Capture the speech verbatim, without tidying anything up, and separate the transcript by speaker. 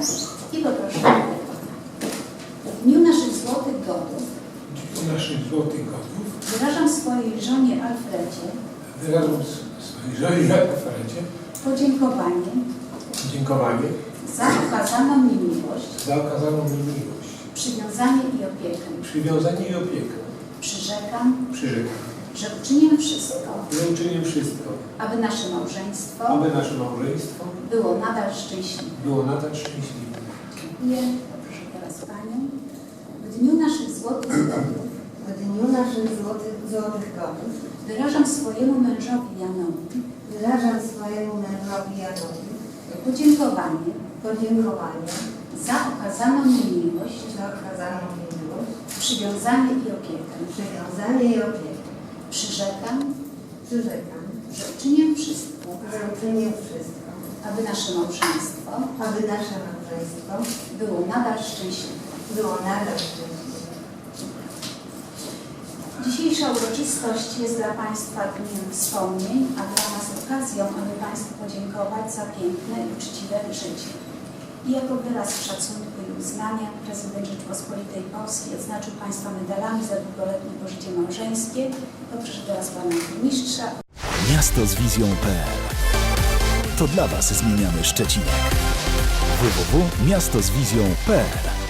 Speaker 1: i poproszę o wykonanie. W dniu naszych złotych godów
Speaker 2: W dniu naszych złotych godów
Speaker 1: wyrażam swojej żonie Alfredzie
Speaker 2: wyrażam swojej żonie Alfredzie
Speaker 1: podziękowanie
Speaker 2: dziękowanie
Speaker 1: za okazaną mi miłość,
Speaker 2: za okazaną mi miłość,
Speaker 1: przywiązanie i opiekę.
Speaker 2: przywiązanie i opiekę.
Speaker 1: Przyrzekam,
Speaker 2: Przyrzekam,
Speaker 1: że uczynię wszystko,
Speaker 2: że uczynię wszystko,
Speaker 1: aby nasze małżeństwo
Speaker 2: aby nasze małżeństwo
Speaker 1: było nadal szczęśliwe.
Speaker 2: było nadal szczęśliwe.
Speaker 1: Dziękuję. Proszę teraz Panią. W dniu naszych złotych godów
Speaker 3: W dniu naszych złotych, złotych godów
Speaker 1: wyrażam swojemu mężowi Janowi
Speaker 3: wyrażam swojemu mężowi Janowi
Speaker 1: podziękowanie
Speaker 3: podziękowanie
Speaker 1: za okazaną mi miłość,
Speaker 3: za okazaną mi miłość,
Speaker 1: przywiązanie i opiekę.
Speaker 3: przywiązanie i opiekę.
Speaker 1: Przyrzekam,
Speaker 3: Przyrzekam,
Speaker 1: że uczynię wszystko,
Speaker 3: że uczynię wszystko,
Speaker 1: aby nasze małżeństwo
Speaker 3: aby nasze małżeństwo
Speaker 1: było nadal szczęśliwe.
Speaker 3: było nadal szczęśliwe.
Speaker 1: Dzisiejsza uroczystość jest dla Państwa dniem wspomnień, a dla nas okazją, aby Państwu podziękować za piękne i uczciwe życie. I jako wyraz szacunku i uznania prezydent Rzeczypospolitej Polskiej odznaczył Państwa medalami za długoletnie pożycie małżeńskie. Poproszę teraz Pana Burmistrza.
Speaker 4: Miasto z wizją kropka p l. To dla Was zmieniamy Szczecinek. w w w kropka miasto z wizją kropka p l